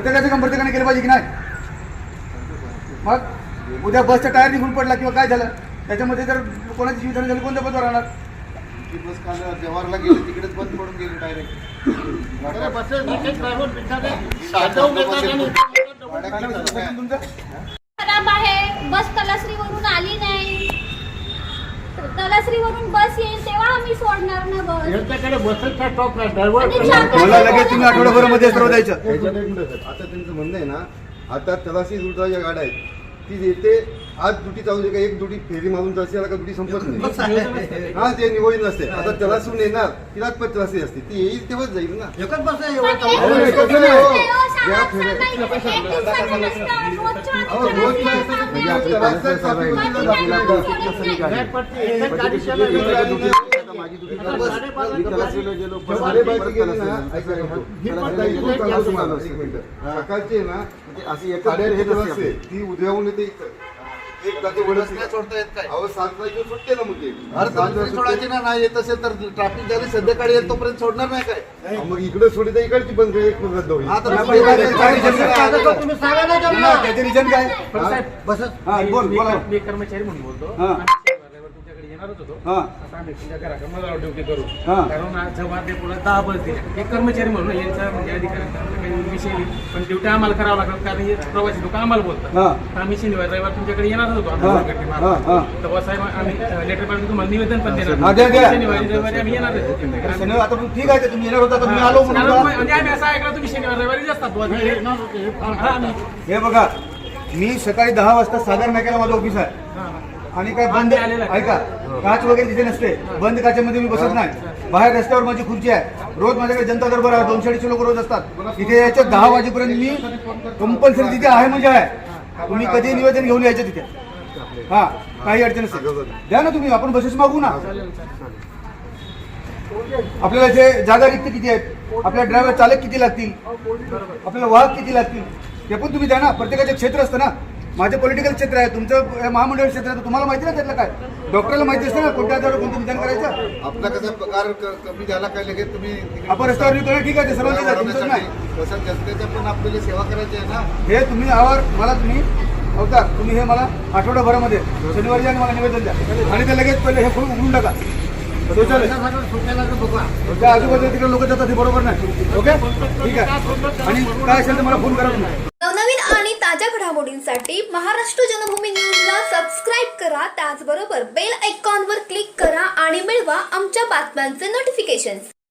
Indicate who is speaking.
Speaker 1: प्रत्येकाचं काम प्रत्येकाने केलं पाहिजे की नाही? मग उद्या बसचा टायर निघून पडला किंवा काय झालं त्याच्यामध्ये जर कोणाची जीवितहानी झाली कोणत्या पदावर राहणार?
Speaker 2: ती बस काल जवाहरला गेली तिकडेच बंद पडून गेली डायरेक्ट.
Speaker 3: खराब आहे, बस तलासरीवरून आली नाही. तलासरीवरून बस येईल तेव्हा आम्ही सोडणार ना बस.
Speaker 4: यांच्याकडे बसचा स्टॉक नाही, ड्रायव्हर
Speaker 1: मला लगेच तुम्ही आठवड्याभरामध्ये सर्व द्यायचं.
Speaker 2: आता त्यांचं म्हणणं आहे ना, आता तलाशी रुटच्या ज्या गाड्या आहेत ती येते आज ड्युटी चालू दे का एक ड्युटी फेरी मारून जायची का ड्युटी संपत नाही. हा ते निवडून नसते. आता तलासून येणार तिलाच पण तलासी असते ती येईल तेव्हाच जाईल ना.
Speaker 4: एकच बस आहे
Speaker 3: पण
Speaker 4: एवढं
Speaker 3: एक
Speaker 4: चालू.
Speaker 3: दिवसाचं
Speaker 2: हो.
Speaker 3: नसतं,
Speaker 2: या
Speaker 3: शाळा
Speaker 2: फेऱ्या-
Speaker 3: सांगायची, एक दिवसाचं नसतं, रोजच्या
Speaker 2: अहो, रोज काय असतं? म्हणजे आपलं तलासचं traffic मध्ये जातं.
Speaker 4: नाही, पण ते एकच गाडी चालू आहे.
Speaker 2: साडेबाराची गेली ना, ऐका ना, ही पण ताई इथून चालू तुम्हाला, एक मिनिटं. सकाळची आहे ना अशी एक आहे ती उद्याहून येते इथं. एक जाती वडच नाही सोडता येत काय? अहो 7 तारखेला सुट्टे ना मुद्दे.
Speaker 5: अरे तरी सोडायची ना, नाही येत असेल तर ट्रॅफिक झाली संध्याकाळी येईल तोपर्यंत सोडणार नाही काय?
Speaker 2: मग इकडे सोडी तर इकडची बंद एक रद्द होईल.
Speaker 5: आता
Speaker 1: नाही,
Speaker 5: तुम्ही
Speaker 1: पण
Speaker 5: काय
Speaker 1: काय-
Speaker 5: करता?
Speaker 4: आता तुम्ही सांगा ना त्यांना.
Speaker 1: त्याचे रिजन काय?
Speaker 4: पण साहेब, बसच.
Speaker 1: हा, बोल बोला.
Speaker 6: मी कर्मचारी म्हणून बोलतो.
Speaker 1: हा.
Speaker 6: आम्ही शनिवारवर तुमच्याकडे येणारच होतो.
Speaker 1: हा.
Speaker 6: आता आम्ही तुमच्या घराकडे मला ड्युटी करू.
Speaker 1: हा.
Speaker 6: कारण आज जेव्हा ते पुढे 10 बस दिल्या. एक कर्मचारी म्हणून यांचा म्हणजे अधिकाऱ्यांचा काही विषय नाही. पण ड्युटी आम्हाला करावं लागतात कारण हे प्रवासी लोक आम्हाला बोलतात.
Speaker 1: हा.
Speaker 6: तर आम्ही शनिवार रविवार तुमच्याकडे येणारच होतो.
Speaker 1: हा.
Speaker 6: आमच्या संघटनेमार्फत.
Speaker 1: हा.
Speaker 6: तेव्हा साहेब आम्ही लेटर पाठवून तुम्हाला निवेदन पण
Speaker 1: हा,
Speaker 6: देणार.
Speaker 1: द्या, द्या.
Speaker 6: शनिवारी रविवारी आम्ही येणारच होतो तुमच्याकडे.
Speaker 1: शनिवार आता पण ठीक आहे ते तुम्ही येणार होता तर तुम्ही आलो म्हणून
Speaker 6: कारण
Speaker 1: बघा.
Speaker 6: म्हणजे आम्ही असं ऐकलं तुम्ही शनिवार रविवारी असतात बुवा तिकडे. हा, आम्ही
Speaker 1: हे बघा मी सकाळी 10 वाजता सागर नाक्याला माझं ऑफिस आहे आणि काय बंद ऐका काच वगैरे तिथे नसते. बंद काचेमध्ये मी बसत नाही. बाहेर रस्त्यावर माझी खुर्ची आहे. रोज माझ्याकडे जनता दरबार आहे. 200-250 लोक रोज असतात इथे. याच्या 10 वाजेपर्यंत मी कंपल्सरी तिथे आहे म्हणजे आहे. तुम्ही कधी निवेदन घेऊन यायचं तिथे. हा काही अडचण नसेल द्या ना तुम्ही. आपण बसेस मागू ना. आपल्याला जे जागा रिक्त किती आहेत, आपल्या ड्रायव्हर चालक किती लागतील, आपल्याला वाहक किती लागतील ते पण तुम्ही द्या ना. प्रत्येकाचे क्षेत्र असतं ना. माझं पॉलिटिकल क्षेत्र आहे, तुमचं महामंडळ क्षेत्र आहे. तुम्हाला माहिती ना त्यातलं काय? डॉक्टरला माहिती असतं ना कोणत्या आजारावर कोणतं निदान करायचं.
Speaker 5: आपला कसा पगार कमी झाला काय लगेच तुम्ही
Speaker 1: आपण रस्त्यावर निघतो ठीक आहे ते सर्वांचे आहे, तुमचंच नाही.
Speaker 5: तसं जनतेच्या पण आपल्याला सेवा करायची आहे ना.
Speaker 1: हे तुम्ही आवर मला तुम्ही अवतार तुम्ही हे मला आठवड्याभरामध्ये शनिवारी आणि मला निवेदन द्या आणि ते लगेच पहिले हे फुल उघडून टाका.
Speaker 4: सुट्याला तर बघा.
Speaker 1: त्या आजूबाजूला तिकडे लोक जातात हे बरोबर नाही. ओके ठीक आहे. आणि काय असेल तर मला फोन करा तुम्ही.
Speaker 7: नवनवीन आणि ताज्या घडामोडींसाठी महाराष्ट्र जनभूमी न्यूजला सबस्क्राईब करा. त्याचबरोबर बेल आयकॉनवर क्लिक करा आणि मिळवा आमच्या बातम्यांचे नोटिफिकेशन्स.